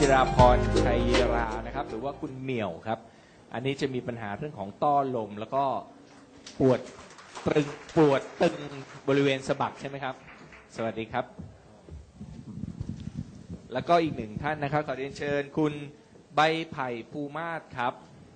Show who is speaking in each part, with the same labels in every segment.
Speaker 1: จิราพรชัยรานะครับหรือว่าคุณเหมี่ยวครับอันนี้จะมีปัญหาเรื่องของต้อลมแล้วก็ปวดตึงบริเวณสะบักใช่ไหมครับสวัสดีครับแล้วก็อีกหนึ่งท่านนะครับขอเรียนเชิญคุณใบไผ่ภูมาศครับ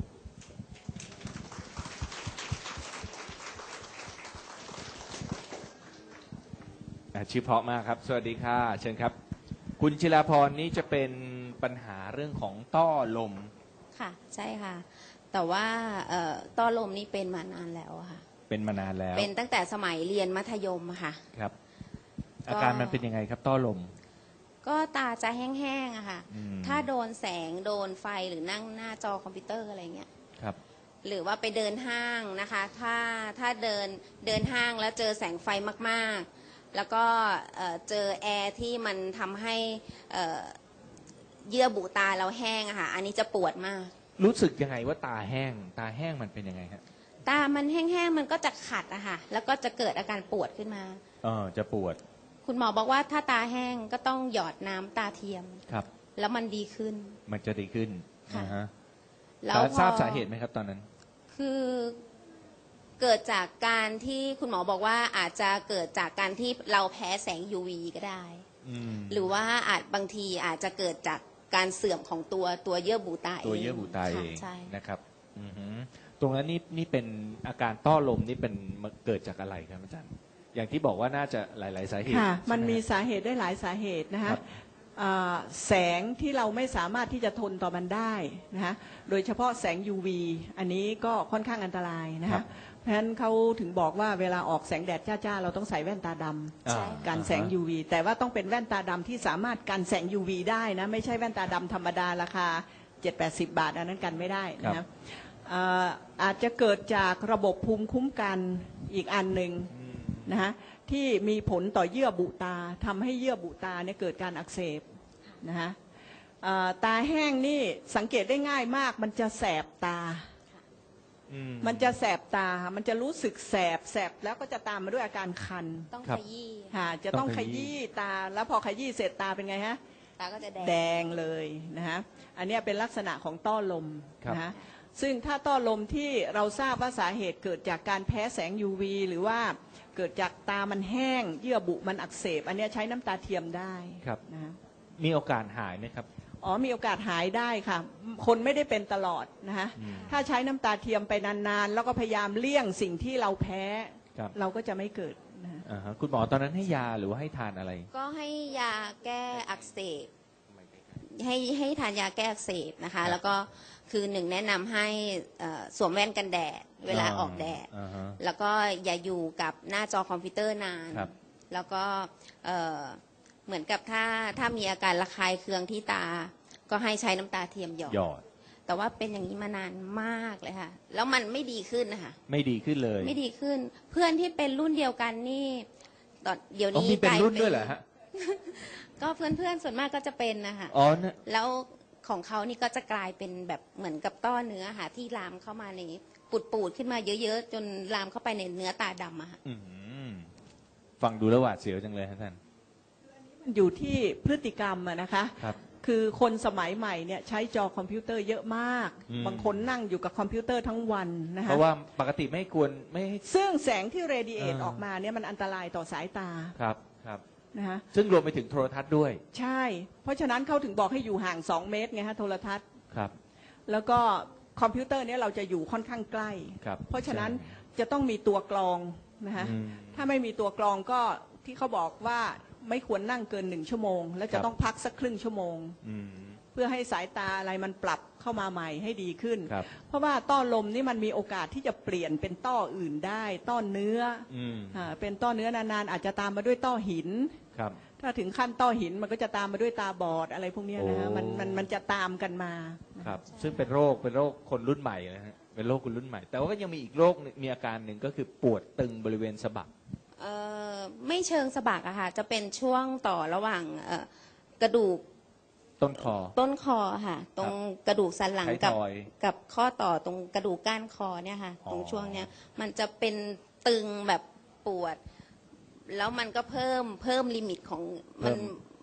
Speaker 1: ชื่อเพราะมากครับสวัสดีค่ะเชิญครับคุณจิราพรนี้จะเป็นปัญหาเรื่องของต้อลม
Speaker 2: ค่ะใช่ค่ะแต่ว่าต้อลมนี่เป็นมานานแล้วค่ะ
Speaker 1: เป็นมานานแล้ว
Speaker 2: เป็นตั้งแต่สมัยเรียนมัธยมค่ะ
Speaker 1: ครับอาการมันเป็นยังไงครับต้อลม
Speaker 2: ก็ตาจะแห้งๆอะค่ะถ้าโดนแสงโดนไฟหรือนั่งหน้าจอคอมพิวเตอร์อะไรเงี้ย
Speaker 1: ครับ
Speaker 2: หรือว่าไปเดินห้างนะคะถ้าเดินห้างแล้วเจอแสงไฟมากๆแล้วก็เจอแอร์ที่มันทำให้เยื่อบุตาเราแห้งอะค่ะอันนี้จะปวดมาก
Speaker 1: รู้สึกยังไงว่าตาแห้งมันเป็นยังไงครับ
Speaker 2: ตามันแห้งๆมันก็จะขัดอะค่ะแล้วก็จะเกิดอาการปวดขึ้นมา
Speaker 1: จะปวด
Speaker 2: คุณหมอบอกว่าถ้าตาแห้งก็ต้องหยอดน้ำตาเทียม
Speaker 1: ครับ
Speaker 2: แล้วมันดีขึ้น
Speaker 1: มันจะดีขึ้น
Speaker 2: ค่ะ
Speaker 1: แล้วทราบสาเหตุไหมครับตอนนั้น
Speaker 2: คือเกิดจากการที่คุณหมอบอกว่าอาจจะเกิดจากการที่เราแพ้แสง UV ก็ได้หรือว่าบางทีอาจจะเกิดจากการเสื่อมของตัวเยื่อบุตาเอง
Speaker 1: ตัวเยื่อบุตาเอง
Speaker 2: ใช่
Speaker 1: นะครับตรงนั้นนี่เป็นอาการต้อลมนี่เป็นเกิดจากอะไรครับอาจารย์อย่างที่บอกว่าน่าจะหลายๆสาเหตุ
Speaker 3: ค่ะมันมีสาเหตุได้หลายสาเหตุนะคะแสงที่เราไม่สามารถที่จะทนต่อมันได้นะคะโดยเฉพาะแสง UV อันนี้ก็ค่อนข้างอันตรายนะคะเพราะฉะนั้นเขาถึงบอกว่าเวลาออกแสงแดดจ้าๆเราต้องใส่แว่นตาดำกันแสง UV แต่ว่าต้องเป็นแว่นตาดำที่สามารถกันแสง UV ได้นะไม่ใช่แว่นตาดำธรรมดาราคา 7-80 บาทอันนั้นกันไม่ได้นะอาจจะเกิดจากระบบภูมิคุ้มกันอีกอันหนึ่งนะคะที่มีผลต่อเยื่อบุตาทำให้เยื่อบุตาเนี่ยเกิดการอักเสบนะคะตาแห้งนี่สังเกตได้ง่ายมากมันจะแสบตามันจะแสบตามันจะรู้สึกแสบแล้วก็จะตามมาด้วยอาการคัน
Speaker 2: ต้องขยี้
Speaker 3: ค่ะจะต้องขยี้ตาแล้วพอขยี้เสร็จตาเป็นไงฮะ
Speaker 2: ตาก็จะ
Speaker 3: แดงเลยนะคะอันนี้เป็นลักษณะของต้อลมนะคะซึ่งถ้าต้อลมที่เราทราบว่าสาเหตุเกิดจากการแพ้แสง UV หรือว่าเกิดจากตามันแห้งเยื่อบุมันอักเสบอันนี้ใช้น้ำตาเทียมได้
Speaker 1: ครับ
Speaker 3: นะ
Speaker 1: มีโอกาสหายไหมครับ
Speaker 3: มีโอกาสหายได้ค่ะคนไม่ได้เป็นตลอดนะคะถ้าใช้น้ำตาเทียมไปนานๆแล้วก็พยายามเลี่ยงสิ่งที่เราแพ้เราก็จะไม่เกิดนะ
Speaker 1: คุณหมอตอนนั้นให้ยาหรือว่าให้ทานอะไร
Speaker 2: ก็ให้ยาแก้อักเสบให้ทานยาแก้อักเสบนะคะแล้วก็คือหนึ่งแนะนำให้สวมแว่นกันแดดเวลาออกแดดแล้วก็อย่าอยู่กับหน้าจอคอมพิวเตอร์นานแล้วก็เหมือนกับถ้ามีอาการระคายเคืองที่ตาก็ให้ใช้น้ำตาเทียมหยอดแต่ว่าเป็นอย่างนี้มานานมากเลยค่ะแล้วมันไม่ดีขึ้นนะคะ
Speaker 1: ไม่ดีขึ้นเลย
Speaker 2: ไม่ดีขึ้นเพื่อนที่เป็นรุ่นเดียวกันนี่ตอนเดี๋ยวนี้
Speaker 1: มีเป็นรุ่นด้วยเหรอฮะ
Speaker 2: ก็เพื่อนส่วนมากก็จะเป็นนะคะแล้วของเขานี่ก็จะกลายเป็นแบบเหมือนกับต้อเนื้อค่ะที่ลามเข้ามาในปูดขึ้นมาเยอะๆจนลามเข้าไปในเนื้อตาดำอะค่ะ
Speaker 1: ฟังดูแล้วหวาดเสียวจังเลยท่าน
Speaker 3: มันอยู่ที่พฤติกรรมนะคะคือคนสมัยใหม่เนี่ยใช้จอคอมพิวเตอร์เยอะมากบางคนนั่งอยู่กับคอมพิวเตอร์ทั้งวันนะคะ
Speaker 1: เพราะว่าปกติไม่ควรไม่
Speaker 3: ซึ่งแสงที่เรดิเอทออกมาเนี่ยมันอันตรายต่อสายตา
Speaker 1: ครับ
Speaker 3: นะคะ
Speaker 1: ซึ่งรวมไปถึงโทรทัศน์ด้วย
Speaker 3: ใช่เพราะฉะนั้นเขาถึงบอกให้อยู่ห่าง2 เมตรไงฮะโทรทัศน์
Speaker 1: ครับ
Speaker 3: แล้วก็คอมพิวเตอร์เนี่ยเราจะอยู่ค่อนข้างใกล้เพราะฉะนั้นจะต้องมีตัวกรองนะคะถ้าไม่มีตัวกรองก็ที่เขาบอกว่าไม่ควรนั่งเกิน1 ชั่วโมงแล้วจะต้องพักสักครึ่งชั่วโมงเพื่อให้สายตาอะไรมันปรับเข้ามาใหม่ให้ดีขึ้นเพราะว่าต้อลมนี่มันมีโอกาสที่จะเปลี่ยนเป็นต้ออื่นได้ต้อเนื้อเป็นต้อเนื้อนานๆอาจจะตามมาด้วยต้อหินถ้าถึงขั้นต้อหินมันก็จะตามมาด้วยตาบอดอะไรพวกนี้นะฮะมันจะตามกันมา
Speaker 1: ครับซึ่งเป็นโรคคนรุ่นใหม่นะฮะเป็นโรคคนรุ่นใหม่แต่ว่าก็ยังมีอีกโรคมีอาการหนึ่งก็คือปวดตึงบริเวณสะบัก
Speaker 2: ไม่เชิงสะบักอะค่ะจะเป็นช่วงต่อระหว่างกระดูกต้นคอค่ะตรงกระดูกสันหลังกับข้อต่อตรงกระดูกก้านคอเนี่ยค่ะตรงช่วงเนี้ยมันจะเป็นตึงแบบปวดแล้วมันก็เพิ่มลิมิตของ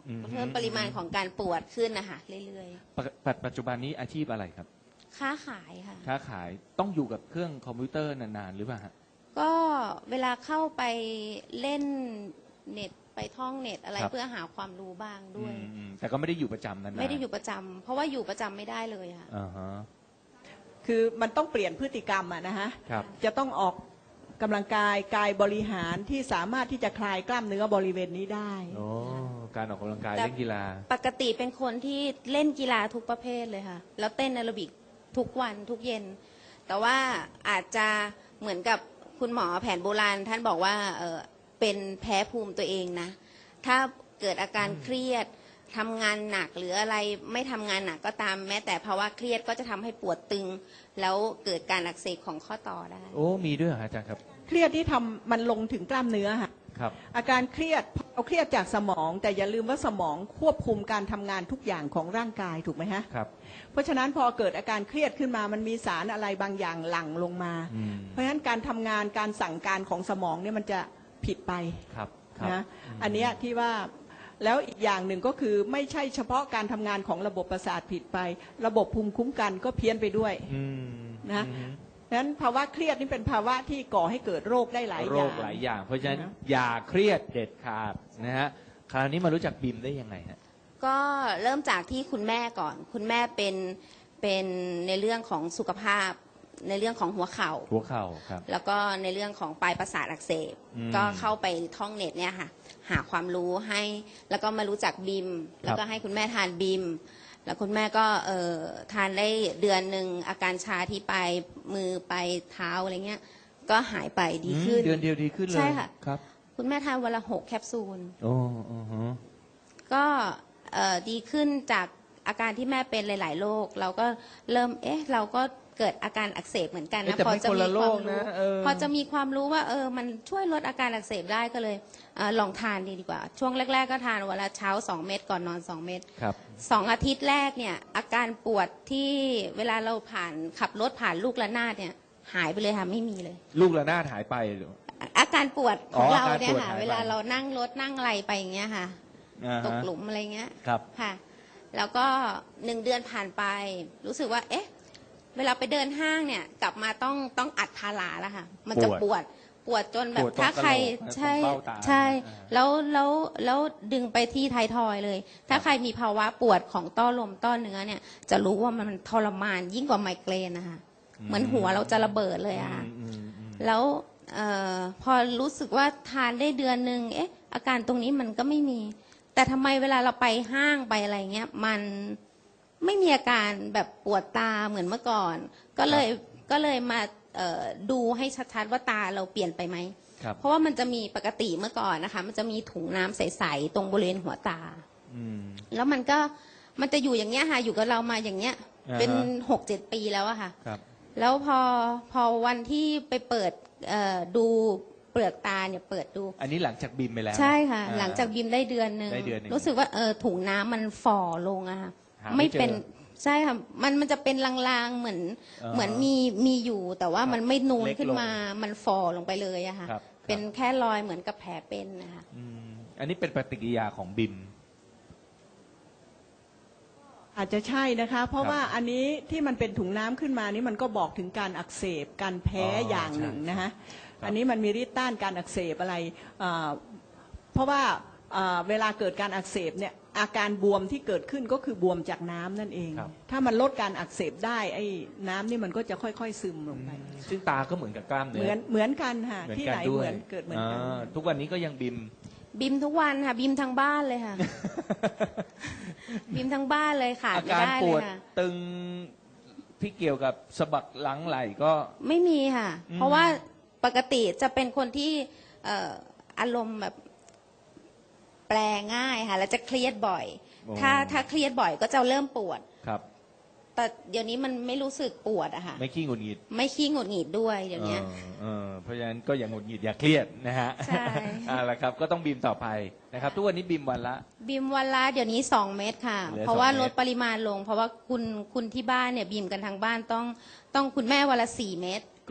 Speaker 1: อืม
Speaker 2: เพิ่มปริมาณของการปวดขึ้นนะคะเรื่อย
Speaker 1: ปัจจุบันนี้อาชีพอะไรครับ
Speaker 2: ๆค้าขายค่ะ
Speaker 1: ค้าขายต้องอยู่กับเครื่องคอมพิวเตอร์นานๆหรือเปล่าฮะ
Speaker 2: ก็เวลาเข้าไปเล่นเน็ตไปท่องเน็ตอะไร
Speaker 1: ครับ
Speaker 2: เพื่อหาความรู้บ้างด้วย
Speaker 1: แต่ก็ไม่ได้อยู่ประจำนานๆ
Speaker 2: ไม่ได้อยู่ประจำเพราะว่าอยู่ประจำไม่ได้เลยค่ะ
Speaker 1: อ่าฮะ
Speaker 3: คือมันต้องเปลี่ยนพฤติกรรมอะนะฮะ
Speaker 1: ครับ
Speaker 3: จะต้องออกกำลังกายกายบริหารที่สามารถที่จะคลายกล้ามเนื้อบริเวณนี้ได้
Speaker 1: โอ้การออกกำลังกาย
Speaker 2: แต่
Speaker 1: เล่นกีฬา
Speaker 2: ปกติเป็นคนที่เล่นกีฬาทุกประเภทเลยค่ะ แล้วเต้นแอโรบิกทุกวันทุกเย็น แต่ว่าอาจจะเหมือนกับคุณหมอแผนโบราณท่านบอกว่าเป็นแพ้ภูมิตัวเองนะ ถ้าเกิดอาการเครียดทำงานหนักหรืออะไรไม่ทำงานหนักก็ตามแม้แต่ภาวะเครียดก็จะทำให้ปวดตึง แล้วเกิดการอักเสบของข้อต่อได้
Speaker 1: โอ้มีด้วยเหรอฮะอาจารย์ครับ
Speaker 3: เครียดที่ทำมันลงถึงกล้ามเนื้อค่ะ
Speaker 1: ครับ
Speaker 3: อาการเครียดเอาเครียดจากสมอง แต่อย่าลืมว่าสมองควบคุมการทำงานทุกอย่างของร่างกายถูกไหมฮะ
Speaker 1: ครับ
Speaker 3: เพราะฉะนั้นพอเกิดอาการเครียดขึ้นมามันมีสารอะไรบางอย่างหลั่งลงมา
Speaker 1: อืม
Speaker 3: เพราะฉะนั้นการทำงานการสั่งการของสมองเนี่ยมันจะผิดไป
Speaker 1: ครับครับ
Speaker 3: นะอันเนี้ยที่ว่าแล้วอีกอย่างหนึ่งก็คือไม่ใช่เฉพาะการทำงานของระบบประสาทผิดไป ระบบภูมิคุ้มกันก็เพี้ยนไปด้วย
Speaker 1: อืม
Speaker 3: นะ
Speaker 1: อืม
Speaker 3: นั้นภาวะเครียดนี่เป็นภาวะที่ก่อให้เกิดโรคได้หลาย
Speaker 1: โร
Speaker 3: อย่า
Speaker 1: ค
Speaker 3: ง
Speaker 1: หลายอย่าง เพราะฉะนั้น
Speaker 3: นะ
Speaker 1: อย่าเครียดเด็ดขาดนะฮะคราวนี้มารู้จักบิมได้ยังไงฮะ
Speaker 2: ก็เริ่มจากที่คุณแม่ก่อน คุณแม่เป็นในเรื่องของสุขภาพ ในเรื่องของหัวเข่า
Speaker 1: หัวเข่าครับ
Speaker 2: แล้วก็ในเรื่องของปลายประสาทอักเสบ
Speaker 1: อืม
Speaker 2: ก็เข้าไปท่องเน็ตเนี่ยค่ะ หาความรู้ให้ แล้วก็มารู้จักบิม แล้วก็ให้คุณแม่ทานบิม แล้วคุณแม่ก็ทานได้เดือนหนึ่งอาการชาที่ปลายมือปลายเท้าอะไรเงี้ย ก็หายไปดีขึ้น
Speaker 1: เดือนเดียวดีขึ้นเลย
Speaker 2: ใช่ค่ะ
Speaker 1: ครับ
Speaker 2: คุณแม่ทานวันละ6 แคปซูล
Speaker 1: โอ้อือฮะ
Speaker 2: ก็ดีขึ้นจากอาการที่แม่เป็นหลาย ๆ โรคเราก็เริ่มเราก็เกิดอาการอักเสบเหมือนกัน
Speaker 1: เอ๊ะ
Speaker 2: นะ
Speaker 1: แต่
Speaker 2: พอ
Speaker 1: ไม่
Speaker 2: จะ
Speaker 1: คน
Speaker 2: มี
Speaker 1: ละโร
Speaker 2: ความ
Speaker 1: ค
Speaker 2: รู้
Speaker 1: นะ
Speaker 2: พอจะมีความรู้ว่ามันช่วยลดอาการอักเสบได้ก็เลยลองทานดีกว่า ช่วงแรก ๆ ก็ทานวันละเช้า2 เม็ดก่อนนอน2 เม็ด
Speaker 1: ครับ
Speaker 2: 2 อาทิตย์แรกเนี่ยอาการปวดที่เวลาเราขับรถผ่านลูกระนาดเนี่ยหายไปเลยค่ะไม่มีเลย
Speaker 1: ลูกระนาดหายไปหรือ
Speaker 2: อาการปวดของเราเนี่ย
Speaker 1: อาการปวด
Speaker 2: ค่ะ
Speaker 1: หายไป
Speaker 2: เวลาเรานั่งรถนั่งอะไรไปอย่างเงี้ยค่ะ
Speaker 1: อ่า
Speaker 2: ตก
Speaker 1: ฮะ
Speaker 2: หลุมอะไรเงี้ย
Speaker 1: ครับ
Speaker 2: ค่ะ แล้วก็1 เดือนผ่านไป รู้สึกว่า เวลาไปเดินห้างเนี่ย กลับมาต้องอัดพาราแล้วค่ะ มันจะปวดจนแบ
Speaker 1: ป
Speaker 2: บ
Speaker 1: วดตรง
Speaker 2: ถ้าใคร
Speaker 1: กะโหลกนะ
Speaker 2: ใช่
Speaker 1: ตรงเบ้าตา
Speaker 2: ใช่
Speaker 1: อ่า
Speaker 2: แล้วดึงไปที่ไทายทอยเลย ถ้าใครมีภาวะปวดของต้อลมต้อเนื้อเนี่ย จะรู้ว่ามันทรมานยิ่งกว่าไมเกรนนะคะเหมือนหัวเราจะระเบิดเลยอะค่ะ
Speaker 1: อืม
Speaker 2: แล้วพอรู้สึกว่าทานได้เดือนหนึ่งอาการตรงนี้มันก็ไม่มี แต่ทำไมเวลาเราไปห้างไปอะไรเงี้ย มันไม่มีอาการแบบปวดตาเหมือนเมื่อก่อน ก็เลยมาดูให้ชัดๆว่าตาเราเปลี่ยนไปไหม
Speaker 1: ครับ
Speaker 2: เพราะว่ามันจะมีปกติเมื่อก่อนนะคะ มันจะมีถุงน้ำใสๆตรงบริเวณหัวตา
Speaker 1: อืม
Speaker 2: แล้วมันจะอยู่อย่างเงี้ยค่ะ อยู่กับเรามาอย่างเงี้ย
Speaker 1: อ่าฮะ
Speaker 2: เป็น6-7 ปีแล้วอะค่ะ
Speaker 1: ครับ
Speaker 2: แล้วพอวันที่ไปเปิดดูเปลือกตาเนี่ยเปิดดู
Speaker 1: อันนี้หลังจากบิมไปแล้ว
Speaker 2: ใช่ค่ะ
Speaker 1: อ่
Speaker 2: หลังจากบิมได้เดือนหนึ่ง
Speaker 1: ได้เดือนหนึ่ง
Speaker 2: รู้สึกว่าถุงน้ำมันฝ่อลงอะค่ะ
Speaker 1: หาไม่เจอ
Speaker 2: เป็นใช่ค่ะมันจะเป็นลางๆเหมือน
Speaker 1: อ่า
Speaker 2: เหมือนมีอยู่ แต่ว่ามันไม่นูน
Speaker 1: เล็กลง
Speaker 2: ขึ้นมามันฝ่อลงไปเลยอะค่ะ
Speaker 1: ครับ
Speaker 2: เป็นแค่รอยเหมือนกับแผลเป็นนะคะ
Speaker 1: อืมอันนี้เป็นปฏิกิริยาของบิม
Speaker 3: อาจจะใช่นะคะ เพราะ
Speaker 1: ครับ
Speaker 3: ว่าอันนี้ที่มันเป็นถุงน้ำขึ้นมานี่มันก็บอกถึงการอักเสบการแพ้
Speaker 1: อ๋ออ
Speaker 3: อย่างหนึ่ง
Speaker 1: ใช่
Speaker 3: นะคะ
Speaker 1: ครับ
Speaker 3: อันนี้มันมีฤทธิ์ต้านการอักเสบอะไรเพราะว่าเวลาเกิดการอักเสบเนี่ยอาการบวมที่เกิดขึ้นก็คือบวมจากน้ำนั่นเอง
Speaker 1: ครับ
Speaker 3: ถ้ามันลดการอักเสบได้ไอ้น้ำนี่มันก็จะค่อยๆซึมลงไป
Speaker 1: ซึ่งตาก็เหมือนกับกล้ามเนื้
Speaker 3: เหมือนกันค่ะ
Speaker 1: เหมือน
Speaker 3: ที่
Speaker 1: กัน
Speaker 3: ไหน
Speaker 1: ด้
Speaker 3: เห
Speaker 1: วย
Speaker 3: มือนเกิดเหมือนกัน
Speaker 1: ทุกวันนี้ก็ยังบิม
Speaker 2: บิมทุกวันค่ะบิมทั้งบ้านเลย ค่ะ บิมทั้งบ้านเลยขาด
Speaker 1: อา
Speaker 2: ไม่
Speaker 1: การ
Speaker 2: ได้
Speaker 1: ป
Speaker 2: เล
Speaker 1: วย ด
Speaker 2: ค่ะ
Speaker 1: ตึงที่เกี่ยวกับสะบักหลังไหล่ก็
Speaker 2: ไม่มีค่ะ
Speaker 1: อืม
Speaker 2: เพราะว่าปกติจะเป็นคนที่อารมณ์แบบแปลง่ายค่ะ แล้วจะเครียดบ่อย ถ้าเครียดบ่อยก็จะเริ่มปวด
Speaker 1: ครับ
Speaker 2: แต่เดี๋ยวนี้มันไม่รู้สึกปวดอะค่ะ
Speaker 1: ไม่ขี้หงุดหงิด
Speaker 2: ไม่ขี้หงุดหงิดด้วยเดี๋ยวนี้
Speaker 1: เพราะฉะนั้นก็อย่างหงุดหงิดอย่าเครียดนะฮะ
Speaker 2: ใช่
Speaker 1: เอาละครับก็ต้องบีมต่อไปนะครับ ทุกวันนี้บีมวันละ
Speaker 2: บีมวันละเดี๋ยวนี้2 เม็ดค่ะ
Speaker 1: เหลือ
Speaker 2: เพราะว่า
Speaker 1: 2 เม็ด
Speaker 2: ลดปริมาณลง เพราะว่าคุณที่บ้านเนี่ยบีมกันทางบ้านต้องคุณแม่วันละ4 เม็ด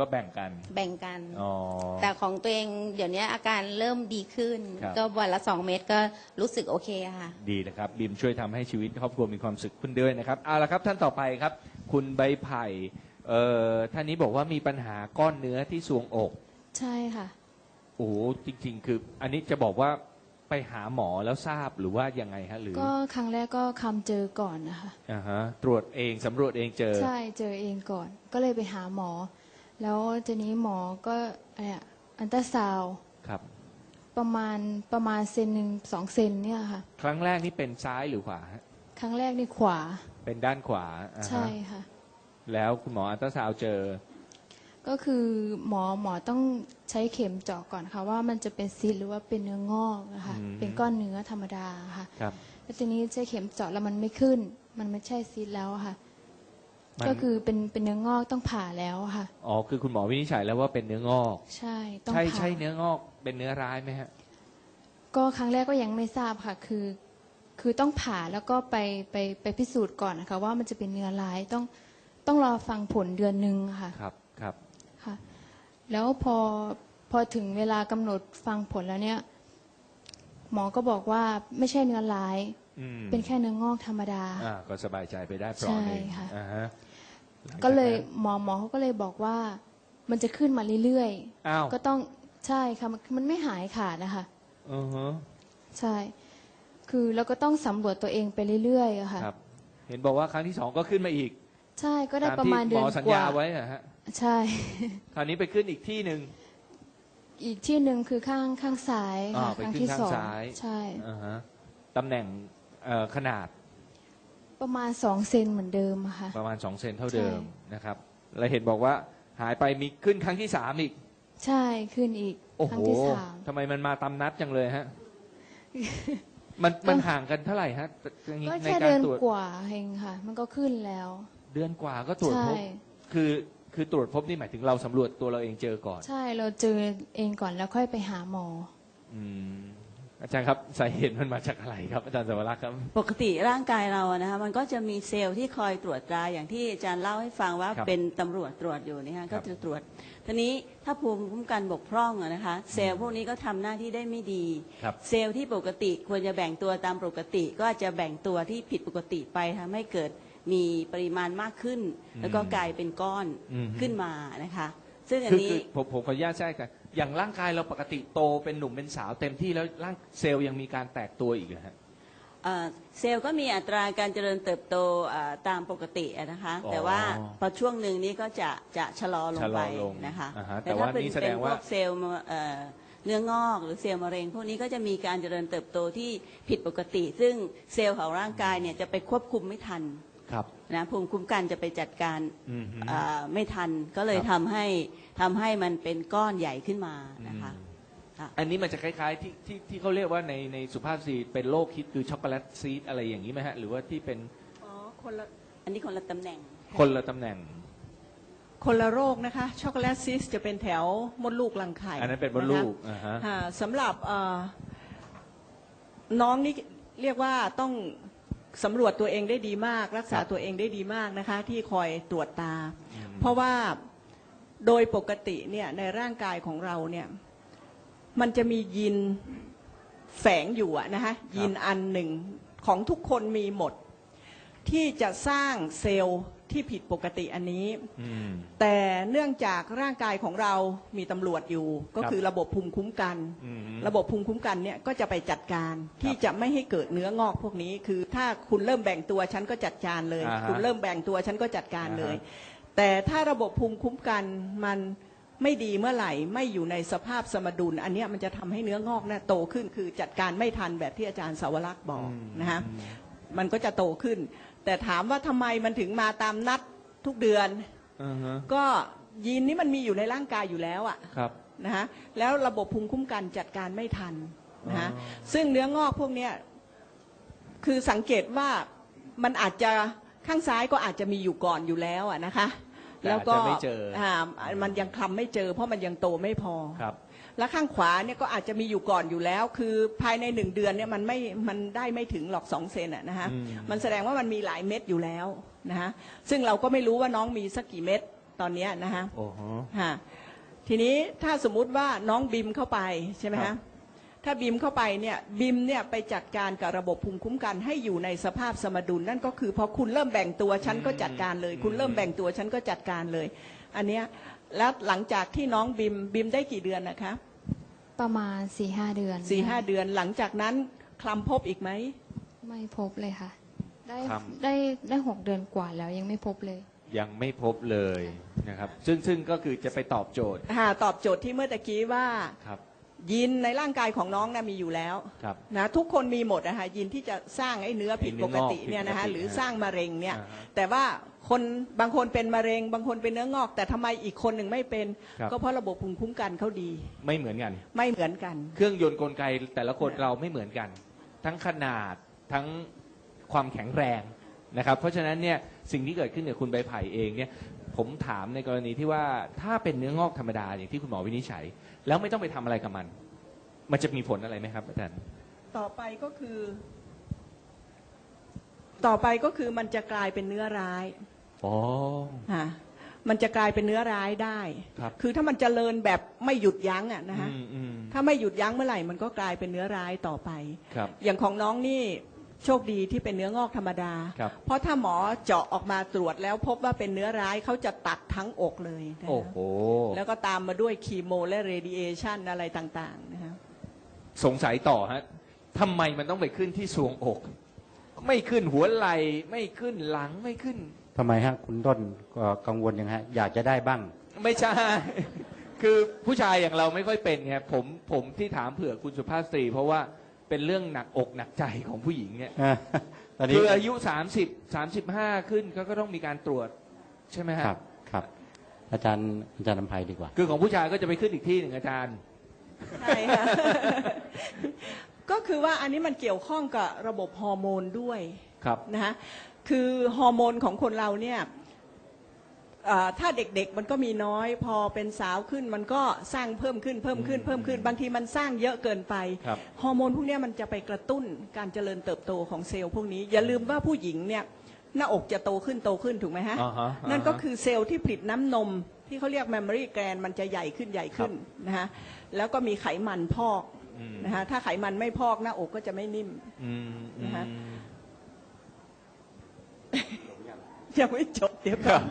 Speaker 1: ก็แบ่งกัน
Speaker 2: แบ่งกัน
Speaker 1: อ๋อ
Speaker 2: แต่ของตัวเองเดี๋ยวนี้อาการเริ่มดีขึ้น
Speaker 1: ครับ
Speaker 2: ก็วันละ2 เม็ดก็รู้สึกโอเคค่ะ
Speaker 1: ดีนะครับบิมช่วยทำให้ชีวิตครอบครัวมีความสุขขึ้นด้วยนะครับเอาละครับท่านต่อไปครับ คุณใบไผ่ท่านนี้บอกว่ามีปัญหาก้อนเนื้อที่ทรวงอก
Speaker 4: ใช่ค่ะ
Speaker 1: โอ้โหจริง ๆ คือ อันนี้จะบอกว่าไปหาหมอแล้วทราบหรือว่ายังไงฮะหรือ
Speaker 4: ก็ครั้งแรกก็คำเจอก่อนนะคะ
Speaker 1: อ่าฮะตรวจเองสำรวจเองเจอ
Speaker 4: ใช่เจอเองก่อน ก็เลยไปหาหมอ แล้วทีนี้หมอก็อันตราซาวด์
Speaker 1: ครับ
Speaker 4: ประมาณเซนหนึ่ง2 เซนเนี่ยค่ะ
Speaker 1: ครั้งแรกนี่เป็นซ้ายหรือขวาฮะ
Speaker 4: ครั้งแรกนี่ขวา
Speaker 1: เป็นด้านขวาอ่าฮะ
Speaker 4: ใช่ค่ะ
Speaker 1: แล้วคุณหมออัลตราซาวด์เจอ
Speaker 4: ก็คือหมอต้องใช้เข็มเจาะก่อนค่ะว่ามันจะเป็นซีสต์หรือว่าเป็นเนื้องอกนะคะ
Speaker 1: อืม
Speaker 4: เป็นก้อนเนื้อธรรมดาค่ะ
Speaker 1: ครับ
Speaker 4: แล้วทีนี้ใช้เข็มเจาะแล้วมันไม่ขึ้น มันไม่ใช่ซีสต์แล้วอะค่ะ
Speaker 1: มัน
Speaker 4: ก็คือเป็นเนื้องอกต้องผ่าแล้วอะค่ะ
Speaker 1: อ๋อคือคุณหมอวินิจฉัยแล้วว่าเป็นเนื้องอก
Speaker 4: ใช่ต้อง
Speaker 1: ใช่
Speaker 4: ผ่า
Speaker 1: ใช่เนื้องอกเป็นเนื้อร้ายไหมฮะ
Speaker 4: ก็ครั้งแรกก็ยังไม่ทราบค่ะ คือต้องผ่าแล้วก็ไปพิสูจน์ก่อนนะคะว่ามันจะเป็นเนื้อร้ายต้องรอฟังผลเดือนหนึ่งค่ะ
Speaker 1: ครับครับ
Speaker 4: ค่ะ แล้วพอถึงเวลากำหนดฟังผลแล้วเนี่ย หมอก็บอกว่าไม่ใช่เนื้อร้าย
Speaker 1: อืม
Speaker 4: เป็นแค่เนื้องอกธรรมดา
Speaker 1: ก็สบายใจไปได้เปลอดหนึ่ง
Speaker 4: ใช่ค่ะ
Speaker 1: อ่าฮะหงจากนั้น
Speaker 4: ก็เลยหมอเขาก็เลยบอกว่ามันจะขึ้นมาเรื่อย
Speaker 1: อ้าว
Speaker 4: ๆก็ต้องใช่ค่ะมันไม่หายขาดนะคะ
Speaker 1: อือฮะ
Speaker 4: ใช่ คือเราก็ต้องสำรวจตัวเองไปเรื่อยๆอะค่ะ
Speaker 1: ครับ เห็นบอกว่าครั้งที่2ก็ขึ้นมาอีก
Speaker 4: ใช่ก็ได้
Speaker 1: ตาม
Speaker 4: ประ
Speaker 1: ที่
Speaker 4: มาณ
Speaker 1: ห
Speaker 4: เดื
Speaker 1: ม
Speaker 4: อน
Speaker 1: อสัญ
Speaker 4: กว่า
Speaker 1: ญาไว้อะฮะ
Speaker 4: ใช่
Speaker 1: คราวนี้ไปขึ้นอีกที่หนึ่ง
Speaker 4: อีกที่หนึ่งคือข้างซ้ายค่ะ
Speaker 1: ไป
Speaker 4: ครั้ง
Speaker 1: ขึ้น
Speaker 4: ที่
Speaker 1: ข้าง
Speaker 4: สอง
Speaker 1: ซ้าย
Speaker 4: ใช่
Speaker 1: อ่าฮะตำแหน่งขนาด
Speaker 4: ประมาณ2 เซนเหมือนเดิมอะค่ะ
Speaker 1: ประมาณ2 เซนเท่าเดิม
Speaker 4: ใช่
Speaker 1: นะครับ แล้วเห็นบอกว่าหายไปมีขึ้นครั้งที่3อีก
Speaker 4: ใช่ขึ้นอีก
Speaker 1: โอ้
Speaker 4: ค
Speaker 1: โห
Speaker 4: รั้งที่สาม
Speaker 1: ทำไมมันมาตามนัดจังเลยฮะ มันห่างกันเท่าไหร่ฮะ
Speaker 4: ก็
Speaker 1: ใน
Speaker 4: แค่
Speaker 1: กา
Speaker 4: เดื
Speaker 1: ร
Speaker 4: อน
Speaker 1: ตรวจ
Speaker 4: กว่าเองค่ะ มันก็ขึ้นแล้ว
Speaker 1: เดือนกว่าก็ตรวจพบ
Speaker 4: ใช่
Speaker 1: คือตรวจพบนี่หมายถึงเราสำรวจตัวเราเองเจอก่อน
Speaker 4: ใช่เราเจอเองก่อนแล้วค่อยไปหาหมอ
Speaker 1: อืมอาจารย์ครับสาเหตุมันมาจากอะไรครับ อาจารย์สวรักษ์ครับ
Speaker 5: ปกติร่างกายเราอะนะคะมันก็จะมีเซลล์ที่คอยตรวจตราอย่างที่อาจารย์เล่าให้ฟังว่า
Speaker 1: ครับ
Speaker 5: เป็นตำรวจตรวจอยู่นะคะ
Speaker 1: ครั
Speaker 5: ก็
Speaker 1: บ
Speaker 5: จะตรวจทีนี้ถ้าภูมิคุ้มกันบกพร่องอะนะคะเซลล์พวกนี้ก็ทำหน้าที่ได้ไม่ดี
Speaker 1: ครับ
Speaker 5: เซลล์ที่ปกติควรจะแบ่งตัวตามปกติ ก็อาจจะแบ่งตัวที่ผิดปกติไปทำให้เกิดมีปริมาณมากขึ้น แล้วก็กลายเป็นก้อน
Speaker 1: อืม
Speaker 5: ขึ้นมานะคะ ซึ่งอัน
Speaker 1: คือ
Speaker 5: นี้
Speaker 1: ผมขออนุญาตแทรกกันอย่างร่างกายเราปกติโตเป็นหนุ่มเป็นสาวเต็มที่แล้วร่างเซลล์ยังมีการแตกตัวอีกเหรอฮะ
Speaker 5: เซลล์ก็มีอัตราการเจริญเติบโตตามปกติอะนะคะ
Speaker 1: อ๋อ
Speaker 5: แต่ว่าพอช่วงหนึ่งนี้ก็จะชะลอลงไป
Speaker 1: ชะลอลง
Speaker 5: นะคะ
Speaker 1: อ่าฮะแต่
Speaker 5: แต่
Speaker 1: ว่า
Speaker 5: ถ้าเป็น
Speaker 1: นี่แสด
Speaker 5: เป็น
Speaker 1: ง
Speaker 5: พ
Speaker 1: ว่า
Speaker 5: วกเซลล์เนื้องอกหรือเซลล์มะเร็ง พวกนี้ก็จะมีการเจริญเติบโตที่ผิดปกติ ซึ่งเซลล์ของร่างกายเนี่ยจะไปควบคุมไม่ทัน
Speaker 1: ครับ
Speaker 5: นะภูมิคุ้มกันจะไปจัดการ
Speaker 1: อืมฮึ
Speaker 5: ไม่ทันก็เลย
Speaker 1: ครับ
Speaker 5: ทำให้มันเป็นก้อนใหญ่ขึ้นมานะคะ ค่ะ
Speaker 1: อันนี้มันจะคล้ายๆที่เขาเรียกว่าในสุภาพสตรีเป็นโรคฮิตคือช็อกโกแลตซีดอะไรอย่างนี้ไหมฮะ หรือว่าที่เป็น
Speaker 3: อ๋อคนละ
Speaker 5: อันนี้คนละตำแหน่ง
Speaker 1: คนละตำแหน่ง
Speaker 3: คนละโรคนะคะช็อกโกแลตซิสจะเป็นแถวมดลูกรังไข่
Speaker 1: อันนั้นเป็นมดลูก
Speaker 3: นะคะ
Speaker 1: อ่าฮะ
Speaker 3: สำหรับน้องนี่เรียกว่าต้องสำรวจตัวเองได้ดีมาก รักษา
Speaker 1: ครับ
Speaker 3: ตัวเองได้ดีมากนะคะ ที่คอยตรวจตา
Speaker 1: อืม
Speaker 3: เพราะว่าโดยปกติเนี่ยในร่างกายของเราเนี่ยมันจะมียีนแฝงอยู่อะนะคะยีนอันหนึ่งของทุกคนมีหมด ที่จะสร้างเซลล์ที่ผิดปกติอันนี้
Speaker 1: อืม
Speaker 3: แต่เนื่องจากร่างกายของเรามีตำรวจอยู่ ก็
Speaker 1: ครับ
Speaker 3: คือระบบภูมิคุ้มกัน
Speaker 1: อืม
Speaker 3: ระบบภูมิคุ้มกันเนี่ยก็จะไปจัดการที่จะไม่ให้เกิดเนื้องอกพวกนี้ คือถ้าคุณเริ่มแบ่งตัวฉันก็จัดการเลย
Speaker 1: อ่าฮะ
Speaker 3: คุณเริ่มแบ่งตัวฉันก็จัดการเลย
Speaker 1: อ่าฮะ
Speaker 3: แต่ถ้าระบบภูมิคุ้มกันมันไม่ดีเมื่อไหร่ไม่อยู่ในสภาพสมดุล อันเนี้ยมันจะทำให้เนื้องอกเนี่ยโตขึ้น คือจัดการไม่ทันแบบที่อาจารย์สาวรักษ์บอกนะฮะมันก็จะโตขึ้น แต่ถามว่าทำไมมันถึงมาตามนัดทุกเดือน
Speaker 1: อ่าฮะ
Speaker 3: ก็ยีนนี้มันมีอยู่ในร่างกายอยู่แล้วอะ
Speaker 1: ครับ
Speaker 3: นะฮะแล้วระบบภูมิคุ้มกันจัดการไม่ทันนะฮะ
Speaker 1: อ๋อ
Speaker 3: ซึ่งเนื้องอกพวกเนี้ยคือสังเกตว่ามันอาจจะข้างซ้ายก็อาจจะมีอยู่ก่อนอยู่แล้วอะนะคะ
Speaker 1: แต่
Speaker 3: แล้วก็
Speaker 1: อาจจะไม่เจอ
Speaker 3: มันยังคลำไม่เจอ เพราะมันยังโตไม่พอ
Speaker 1: ครับ
Speaker 3: แล้วข้างขวาเนี่ยก็อาจจะมีอยู่ก่อนอยู่แล้ว คือภายใน1 เดือนเนี่ยมันได้ไม่ถึงหรอก2 เซนอะนะฮะ
Speaker 1: อืม
Speaker 3: มันแสดงว่ามันมีหลายเม็ดอยู่แล้วนะฮะซึ่งเราก็ไม่รู้ว่าน้องมีสักกี่เม็ดตอนเนี้ยนะฮะ
Speaker 1: โอ้โห
Speaker 3: ฮะทีนี้ถ้าสมมุติว่าน้องบิมเข้าไปใช่ไหม
Speaker 1: ครั
Speaker 3: ฮะ
Speaker 1: บ
Speaker 3: ถ้าบิมเข้าไปเนี่ยบิมเนี่ยไปจัดการกับระบบภูมิคุ้มกันให้อยู่ในสภาพสมดุลนั่นก็คือพอคุณเริ่มแบ่งตัวฉันก็จัดการเลย คุณเริ่มแบ่งตัวฉันก็จัดการเลย อันเนี้ยแล้วหลังจากที่น้องบิมได้กี่เดือนนะคะ
Speaker 4: ประมาณ 4-5 เดือน
Speaker 3: 4-5 เดือนหลังจากนั้นคลำพบอีกไหม
Speaker 4: ไม่พบเลยค่ะ ได้
Speaker 1: ครับ
Speaker 4: ได้6 เดือนกว่าแล้วยังไม่พบเลย
Speaker 1: ยังไม่พบเลยนะครับ ซึ่งก็คือจะไปตอบโจทย์
Speaker 3: ตอบโจทย์ที่เมื่อตะกี้ว่า
Speaker 1: ครับ
Speaker 3: ยีนในร่างกายของน้องนะมีอยู่แล้ว
Speaker 1: ครับ
Speaker 3: นะทุกคนมีหมดนะคะยีนที่จะสร้างไอ้เนื้อผิดปกติเนี่ยนะคะ
Speaker 1: ไอ้
Speaker 3: ห
Speaker 1: เนื้
Speaker 3: รือ
Speaker 1: องอก
Speaker 3: สร้างมะเร็งเนี่ย
Speaker 1: อ่าฮะ
Speaker 3: แต่ว่าคนบางคนเป็นมะเร็ง บางคนเป็นเนื้องอก แต่ทำไมอีกคนหนึ่งไม่เป็น
Speaker 1: ครับ
Speaker 3: ก็เพราะระบบภูมิคุ้มกันเขาดี
Speaker 1: ไม่เหมือนกัน
Speaker 3: ไม่เหมือนกัน
Speaker 1: เครื่องยนต์กลไกแต่ละคนเราไม่เหมือนกัน ทั้งขนาดทั้งความแข็งแรงนะครับ เพราะฉะนั้นเนี่ยสิ่งที่เกิดขึ้นกับคุณใบไผ่เองเนี่ยผมถามในกรณีที่ว่าถ้าเป็นเนื้องอกธรรมดาอย่างที่คุณหมอวินิจฉัย แล้วไม่ต้องไปทำอะไรกับมัน มันจะมีผลอะไรไหมครับอาจารย์
Speaker 3: ต่อไปก็คือมันจะกลายเป็นเนื้อร้าย
Speaker 1: อ๋อ
Speaker 3: ค่ะมันจะกลายเป็นเนื้อร้ายได้
Speaker 1: ครับ
Speaker 3: คือถ้ามันเจริญแบบไม่หยุดยั้งอะนะคะ
Speaker 1: อืม
Speaker 3: ถ้าไม่หยุดยั้งเมื่อไหร่มันก็กลายเป็นเนื้อร้ายต่อไป
Speaker 1: ครับ
Speaker 3: อย่างของน้องนี่โชคดีที่เป็นเนื้องอกธรรมดา
Speaker 1: ครับ
Speaker 3: เพราะถ้าหมอเจาะออกมาตรวจแล้วพบว่าเป็นเนื้อร้ายเขาจะตัดทั้งอกเลยนะคะ
Speaker 1: โอ้โห
Speaker 3: แล้วก็ตามมาด้วยคีโมและเรดิเอชันอะไรต่างๆนะคะ
Speaker 1: สงสัยต่อฮะทำไมมันต้องไปขึ้นที่ทรวงอก ไม่ขึ้นหัวไหล่ไม่ขึ้นหลังไม่ขึ้น
Speaker 6: ทำไมฮะคุณต้นก็กังวลยังไงฮะอยากจะได้บ้าง
Speaker 1: ไม่ใช่ คือผู้ชายอย่างเราไม่ค่อยเป็นไงผมที่ถามเผื่อคุณสุภาพสตรี เพราะว่าเป็นเรื่องหนักอกหนักใจของผู้หญิงเนี่ย
Speaker 6: ตอนนี้
Speaker 1: คืออายุ30-35 ขึ้นก็ต้องมีการตรวจใช่ไหมฮะ
Speaker 6: ครับครับ อาจารย์นำภัยดีกว่า
Speaker 1: คือของผู้ชายก็จะไปขึ้นอีกที่หนึ่งอาจารย์
Speaker 3: ใช่ค่ะ ก็คือว่าอันนี้มันเกี่ยวข้องกับระบบฮอร์โมนด้วย
Speaker 1: ครับ
Speaker 3: นะคะคือฮอร์โมนของคนเราเนี่ยถ้าเด็กๆมันก็มีน้อย พอเป็นสาวขึ้นมันก็สร้างเพิ่มขึ้นบางทีมันสร้างเยอะเกินไป
Speaker 1: ครับ
Speaker 3: ฮอร์โมนพวกเนี้ยมันจะไปกระตุ้นการเจริญเติบโตของเซลล์พวกนี้ อย่าลืมว่าผู้หญิงเนี่ยหน้าอกจะโตขึ้นถูกไหมฮะ
Speaker 1: อ่าฮะ
Speaker 3: นั่นก็คือเซลล์ที่ผลิตน้ำนมที่เขาเรียก mammary gland มันจะใหญ่ขึ้นนะฮะแล้วก็มีไขมันพอก
Speaker 1: อืม
Speaker 3: นะฮะถ้าไขมันไม่พอกหน้าอกก็จะไม่นิ่ม
Speaker 1: อืม
Speaker 3: นะฮะ
Speaker 1: อืม
Speaker 3: ยังไม่จบเดี๋ยวก่อน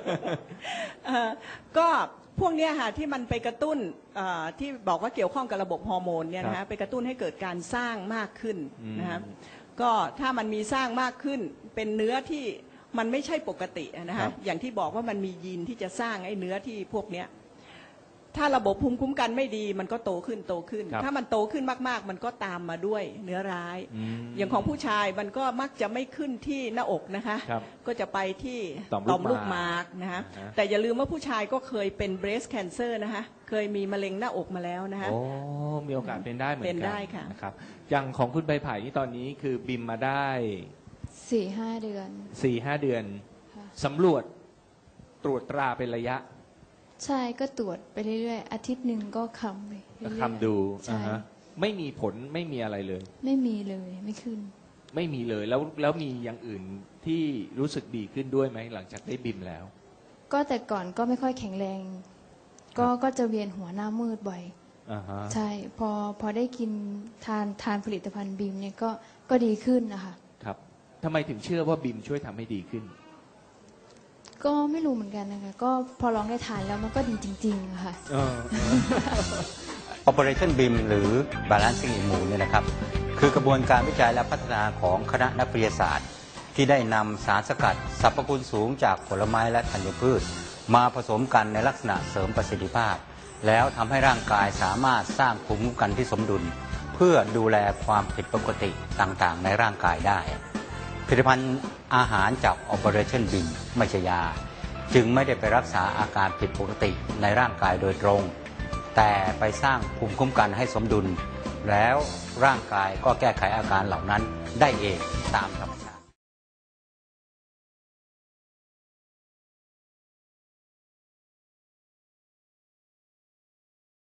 Speaker 3: ก็พวกเนี้ยค่ะที่มันไปกระตุ้นที่บอกว่าเกี่ยวข้องกับระบบฮอร์โมนเนี่ยนะ
Speaker 1: ครั
Speaker 3: ฮะ
Speaker 1: บ
Speaker 3: ไปกระตุ้นให้เกิดการสร้างมากขึ้น
Speaker 1: อืม
Speaker 3: นะฮะก็ถ้ามันมีสร้างมากขึ้นเป็นเนื้อที่มันไม่ใช่ปกตินะ
Speaker 1: ครั
Speaker 3: ฮะ
Speaker 1: บ
Speaker 3: อย่างที่บอกว่ามันมียีนที่จะสร้างไอ้เนื้อที่พวกเนี้ยถ้าระบบภูมิคุ้มกันไม่ดีมันก็โตขึ้น
Speaker 1: ครับ
Speaker 3: ถ้ามันโตขึ้นมากๆ มันก็ตามมาด้วยเนื้อร้าย อย่างของผู้ชายมันก็มักจะไม่ขึ้นที่หน้าอกนะคะ
Speaker 1: ครับ
Speaker 3: ก็จะไปที่
Speaker 1: ต่อมลูก
Speaker 3: ลูกหมากนะฮะ
Speaker 1: อ่าฮะ
Speaker 3: แต่อย่าลืมว่าผู้ชายก็เคยเป็น breast cancer นะคะเคยมีมะเร็งหน้าอกมาแล้วนะคะ
Speaker 1: โอ้มีโอกาสเป็นได้เหมือนกั
Speaker 3: เป็นได้ค่ะ
Speaker 1: นะครับอย่างของคุณใบไผ่นี่ตอนนี้คือบิมมาได้
Speaker 4: 4-5 เดือน
Speaker 1: 4-5 เดือน
Speaker 4: ค่ะ
Speaker 1: สำรวจตรวจตราเป็นระยะ
Speaker 4: ใช่ก็ตรวจไปเรื่อยๆ อาทิตย์หนึ่งก็คำไปเรื่อยๆ
Speaker 1: คำดู
Speaker 4: ใช่
Speaker 1: อ่าฮะไม่มีผลไม่มีอะไรเลย
Speaker 4: ไม่มีเลยไม่ขึ้น
Speaker 1: ไม่มีเลยแล้วมีอย่างอื่นที่รู้สึกดีขึ้นด้วยไหมหลังจากได้บิมแล้ว
Speaker 4: ก็แต่ก่อนก็ไม่ค่อยแข็งแรง ก็จะเวียนหัวหน้ามืดบ่อย
Speaker 1: อ่าฮะ
Speaker 4: ใช่พอได้กินทานผลิตภัณฑ์บีมเนี่ยก็ดีขึ้นนะคะ
Speaker 1: ครับทำไมถึงเชื่อว่าบิมช่วยทำให้ดีขึ้น
Speaker 4: ก็ไม่รู้เหมือนกันนะคะ ก็พอลองได้ทานแล้วมันก็ดีจริงๆอะค่ะ
Speaker 6: Operation BIM หรือ Balancing Immune เนี่ยนะครับ คือกระบวนการวิจัยและพัฒนาของคณะนักวิทยาศาสตร์ ที่ได้นำสารสกัดสรรพคุณสูงจากผลไม้และธัญพืช มาผสมกันในลักษณะเสริมประสิทธิภาพ แล้วทำให้ร่างกายสามารถสร้างภูมิคุ้มกันที่สมดุล เพื่อดูแลความผิดปกติต่างๆ ในร่างกายได้ ผลิตภัณฑ์อาหารจาก Operation BIM ไม่ใช่ยา จึงไม่ได้ไปรักษาอาการผิดปกติในร่างกายโดยตรง แต่ไปสร้างภูมิคุ้มกันให้สมดุล แล้วร่างกายก็แก้ไขอาการเหล่านั้นได้เองตามธรรมชาติ